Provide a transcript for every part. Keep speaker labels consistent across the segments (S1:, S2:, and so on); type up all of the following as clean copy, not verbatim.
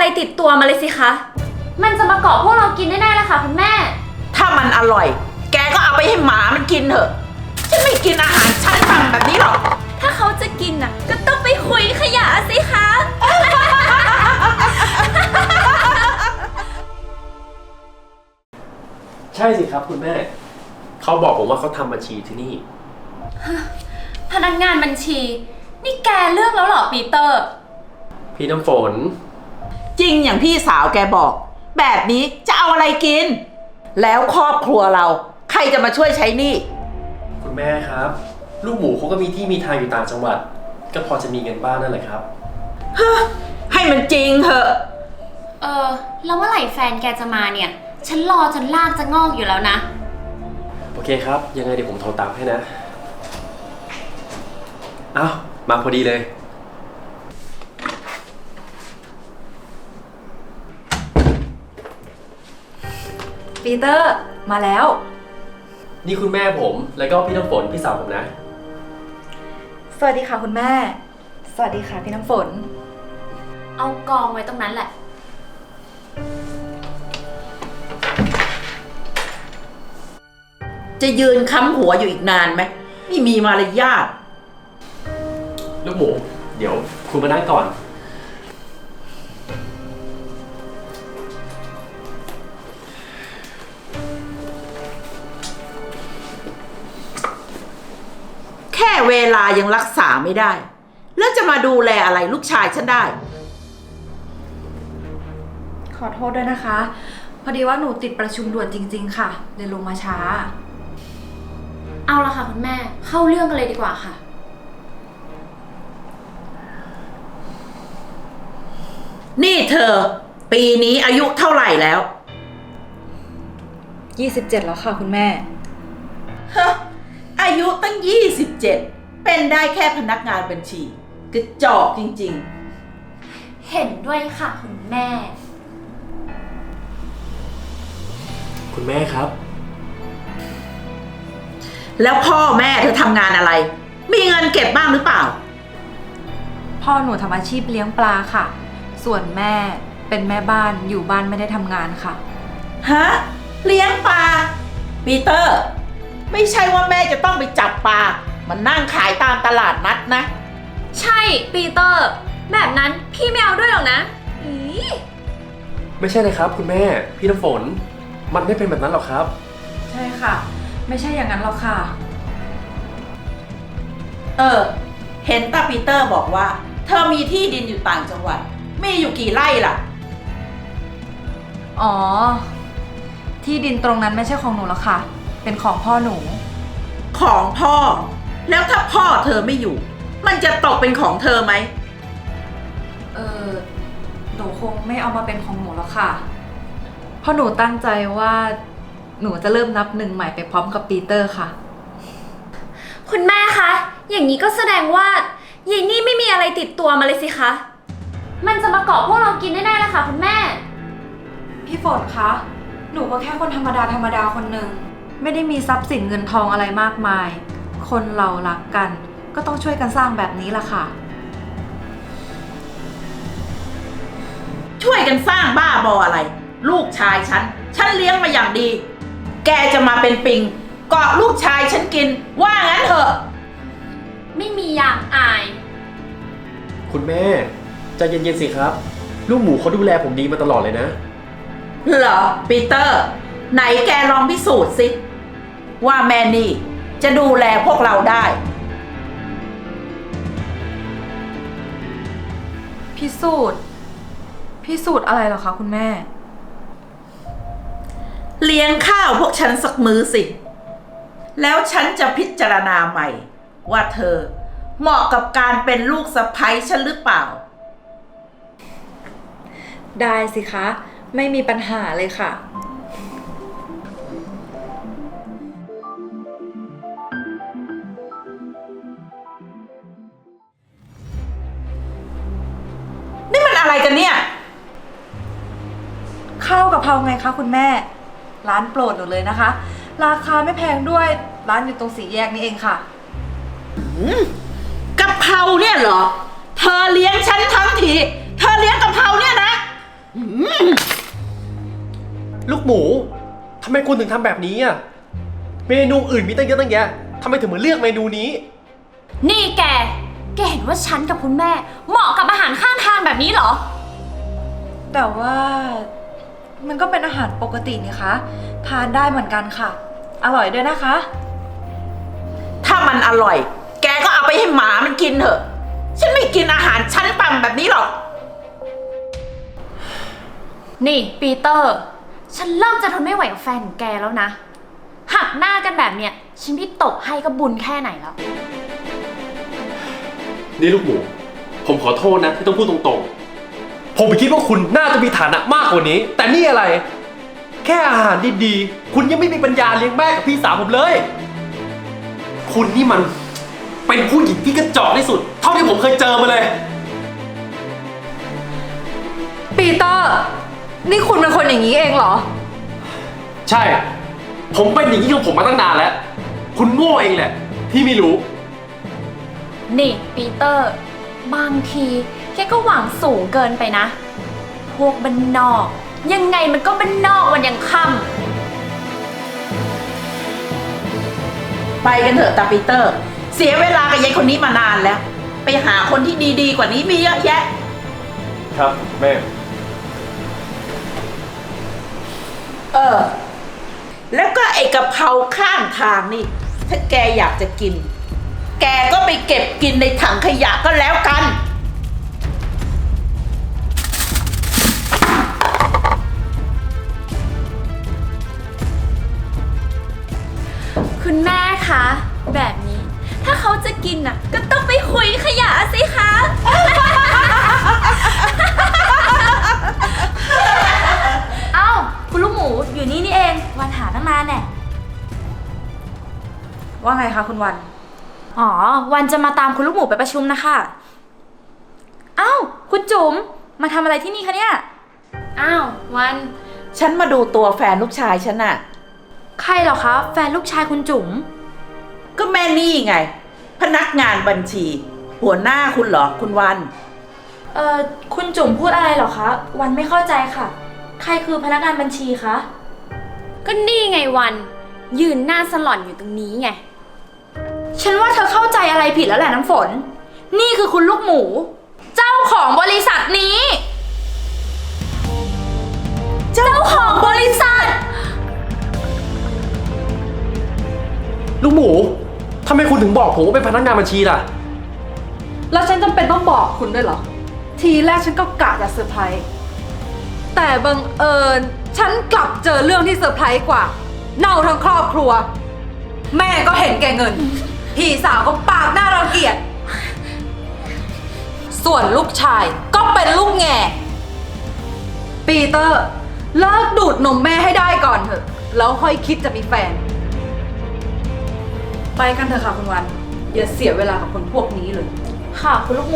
S1: ติดตัวมาเลยสิคะมันจะมาเกาะพวกเรากินแน่ๆเลยค่ะคุณแม่
S2: ถ้ามันอร่อยแกก็เอาไปให้หมามันกินเถอะฉันไม่กินอาหารชั้นต่ำแบบนี้หรอก
S1: ถ้าเขาจะกินน่ะก็ต้องไปคุยขยะสิคะ
S3: ใช่สิครับคุณแม่เขาบอกผมว่าเขาทำบัญชีที่นี่
S1: พนักงานบัญชีนี่แกเลือกแล้วเหรอปีเตอร์
S3: พี่น้ำฝน
S2: จริงอย่างพี่สาวแกบอกแบบนี้จะเอาอะไรกินแล้วครอบครัวเราใครจะมาช่วยใช้หนี้
S3: คุณแม่ครับลูกหมูเขาก็มีที่มีทางอยู่ต่างจังหวัดก็พอจะมีเงินบ้างนั่นแหละครับ
S2: ให้มันจริงเถอะ
S1: แล้วเมื่อไหร่แฟนแกจะมาเนี่ยฉันรอจนลากจะงอกอยู่แล้วนะ
S3: โอเคครับยังไงเดี๋ยวผมโทรตามให้นะอ้าวมาพอดีเลย
S4: ปีเตอร์มาแล้ว
S3: นี่คุณแม่ผมแล้วก็พี่น้ำฝนพี่สาวผมนะ
S4: สวัสดีค่ะคุณแม่สวัสดีค่ะพี่น้ำฝน
S1: เอากองไว้ตรงนั้นแหละ
S2: จะยืนค้ำหัวอยู่อีกนานไหมไม่มีมารยาท
S3: ลูกหมูเดี๋ยวคุณมานั่งก่อน
S2: แค่เวลายังรักษาไม่ได้แล้วจะมาดูแลอะไรลูกชายฉันได้
S4: ขอโทษด้วยนะคะพอดีว่าหนูติดประชุมด่วนจริงๆค่ะเลยลงมาช้า
S1: เอาละค่ะคุณแม่เข้าเรื่องกันเลยดีกว่าค่ะ
S2: นี่เธอปีนี้อายุเท่าไหร่แล้ว
S4: 27แล้วค่ะคุณแม่
S2: ฮะอายุตั้ง27เป็นได้แค่พนักงานบัญชีกระจอกจริง
S1: ๆเห็นด้วยค่ะคุณแม่
S3: คุณแม่ครับ
S2: แล้วพ่อแม่เธอทำงานอะไรมีเงินเก็บบ้างหรือเปล่า
S4: พ่อหนูทำอาชีพเลี้ยงปลาค่ะส่วนแม่เป็นแม่บ้านอยู่บ้านไม่ได้ทำงานค่ะ
S2: ฮะเลี้ยงปลาปีเตอร์ไม่ใช่ว่าแม่จะต้องไปจับปลามันนั่งขายตามตลาดนัดนะ
S1: ใช่ปีเตอร์แบบนั้นพี่ไม่เอาด้วยหรอกนะ
S3: ไม่ใช่เลยครับคุณแม่พี่น้ำฝนมันไม่เป็นแบบนั้นหรอกครับ
S4: ใช่ค่ะไม่ใช่อย่างนั้นหรอกค่ะ
S2: เห็นตาปีเตอร์บอกว่าเธอมีที่ดินอยู่ต่างจังหวัดมีอยู่กี่ไร่ล่ะ
S4: อ๋อที่ดินตรงนั้นไม่ใช่ของหนูหรอกค่ะเป็นของพ่อหนู
S2: ของพ่อแล้วถ้าพ่อเธอไม่อยู่มันจะตกเป็นของเธอไหม
S4: หนูคงไม่เอามาเป็นของหนูหรอกค่ะเพราะหนูตั้งใจว่าหนูจะเริ่มนับหนึ่งใหม่ไปพร้อมกับปีเตอร์ค่ะ
S1: คุณแม่คะอย่างนี้ก็แสดงว่ายายนี่ไม่มีอะไรติดตัวมาเลยสิคะมันจะมาเกาะพวกเรากินแน่ๆเลยค่ะคุณแม่
S4: พี่ฝนคะหนูก็แค่คนธรรมดาคนหนึ่งไม่ได้มีทรัพย์สินเงินทองอะไรมากมายคนเรารักกันก็ต้องช่วยกันสร้างแบบนี้ล่ะค่ะ
S2: ช่วยกันสร้างบ้าบออะไรลูกชายฉันเลี้ยงมาอย่างดีแกจะมาเป็นปิงเกาะลูกชายฉันกินว่างั้นเถอะ
S1: ไม่มีอย่างอาย
S3: คุณแม่ใจเย็นๆสิครับลูกหมูเขาดูแลผมดีมาตลอดเลยนะ
S2: เหรอปีเตอร์ไหนแกลองพิสูจน์สิว่าแม่นี่จะดูแลพวกเราได้
S4: พิสูจน์อะไรเหรอคะคุณแม่
S2: เลี้ยงข้าวพวกฉันสักมื้อสิแล้วฉันจะพิจารณาใหม่ว่าเธอเหมาะกับการเป็นลูกสะใภ้ฉันหรือเปล่า
S4: ได้สิคะไม่มีปัญหาเลยค่ะ
S2: นี่มันอะไรกันเนี่ย
S4: ข้าวกะเพราไงคะคุณแม่ร้านโปรดหนูเลยนะคะราคาไม่แพงด้วยร้านอยู่ตรงสี่แยกนี่เองค่ะ
S2: กะเพราเนี่ยเหรอเธอเลี้ยงฉันทั้งทีเธอเลี้ยงกะเพราเนี่ยนะ
S3: ลูกหมูทำไมคุณถึงทำแบบนี้อ่ะเมนูอื่นมีตั้งเยอะตั้งแยะทำไมถึงมาเลือกเมนูนี้
S1: นี่แกเห็นว่าฉันกับคุณแม่เหมาะกับอาหารข้างทางแบบนี้เหรอ
S4: แต่ว่ามันก็เป็นอาหารปกตินี่คะ ทานได้เหมือนกันค่ะ อร่อยด้วยนะคะ
S2: ถ้ามันอร่อย แกก็เอาไปให้หมามันกินเถอะ ฉันไม่กินอาหารชั้นต่ำแบบนี้หรอก
S1: นี่ปีเตอร์ ฉันเริ่มจะทนไม่ไหวกับแฟนของแกแล้วนะ หักหน้ากันแบบเนี้ยฉันที่ตกให้ก็บุญแค่ไหนแล้ว
S3: นี่ลูกหมูผมขอโทษนะที่ต้องพูดตรงๆผมคิดว่าคุณน่าจะมีฐานะมากกว่านี้ แต่นี่อะไร แค่อาหารดีๆคุณยังไม่มีปัญญาเลี้ยงแม่กับพี่สาวผมเลย คุณนี่มันเป็นผู้หญิงที่กระจอกที่สุด เท่าที่ผมเคยเจอมาเลย
S4: ปีเตอร์ นี่คุณเป็นคนอย่างนี้เองเหรอ
S3: ใช่ ผมเป็นอย่างนี้ของผมมาตั้งนานแล้ว คุณโง่เองแหละที่ไม่รู้
S1: นี่ปีเตอร์ บางทีแกก็หวังสูงเกินไปนะ พวกบ้านนอก ยังไงมันก็บ้านนอกวันยังค่ำ
S2: ไปกันเถอะตาปีเตอร์ เสียเวลากับยายคนนี้มานานแล้ว ไปหาคนที่ดีๆกว่านี้มีเยอะแยะ
S3: ครับแม่
S2: แล้วก็ไอ้กะเพราข้างทางนี่ ถ้าแกอยากจะกิน แกก็ไปเก็บกินในถังขยะก็แล้วกัน
S1: คุณแม่คะ แบบนี้ ถ้าเขาจะกินน่ะ ก็ต้องไปคุยขยะสิคะ เอ้า คุณลูกหมูอยู่นี่นี่เอง วันหาตั้งนานแน่
S4: ว่าไงคะคุณวัน
S1: อ๋อ วันจะมาตามคุณลูกหมูไปประชุมนะคะ เอ้า คุณจุ๋ม มาทำอะไรที่นี่คะเนี่ย อ้าว วัน
S2: ฉันมาดูตัวแฟนลูกชายฉันน่ะ
S1: ใครเหรอคะ แฟนลูกชายคุณจุ๋ม
S2: ก็แม่นี่ไง พนักงานบัญชี หัวหน้าคุณเหรอคุณวัน
S1: คุณจุ๋มพูดอะไรเหรอคะ วันไม่เข้าใจค่ะ ใครคือพนักงานบัญชีคะ ก็นี่ไงวัน ยืนหน้าสลอนอยู่ตรงนี้ไง ฉันว่าเธอเข้าใจอะไรผิดแล้วแหละน้ำฝน นี่คือคุณลูกหมู เจ้าของบริษัทนี้ เจ้าของบริษัท
S3: ลูกหมูทำไมคุณถึงบอกผมว่าเป็นพนักงานบัญชีล่ะ
S4: แล้วฉันจำเป็นต้องบอกคุณด้วยเหรอ ทีแรกฉันก็กะจะเซอร์ไพรส์แต่บังเอิญฉันกลับเจอเรื่องที่เซอร์ไพรส์กว่า เน่าทั้งครอบครัว แม่ก็เห็นแก่เงิน พี่สาวก็ปากหน้ารังเกียจ ส่วนลูกชายก็เป็นลูกแง่ ปีเตอร์ เลิกดูดนมแม่ให้ได้ก่อนเถอะ แล้วค่อยคิดจะมีแฟน ไปกันเถอะค่ะคุณวัน อย่าเสียเวลากับคนพวกนี้เลย
S1: ค่ะ คุณลูกหมู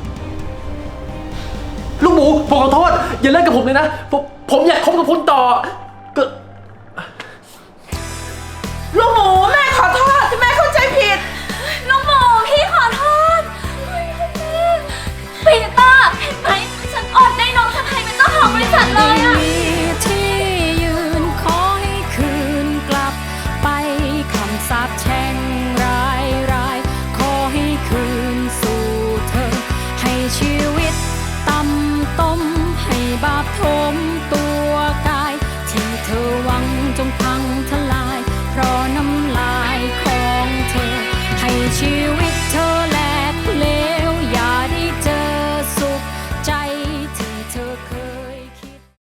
S3: ลูกหมูผมขอโทษ อย่าเล่นกับผมเลยนะ ผมอยากคบกับคุณต่อก็
S2: ลูกหมูแม่ขอโทษที่แม่เข้าใจผิด
S1: ลูกหมูพี่ขอโทษปีเตอร์เห็นไหมฉันอดได้น้องสะใภ้เป็นเจ้าของบริษัทเลยอะ
S5: ที่ยืนขอให้คืนกลับไปคำสาปแช่งร้ายขอให้คืนสู่เธอ ให้ชีวิตต่ำต้มให้บาปทมตัว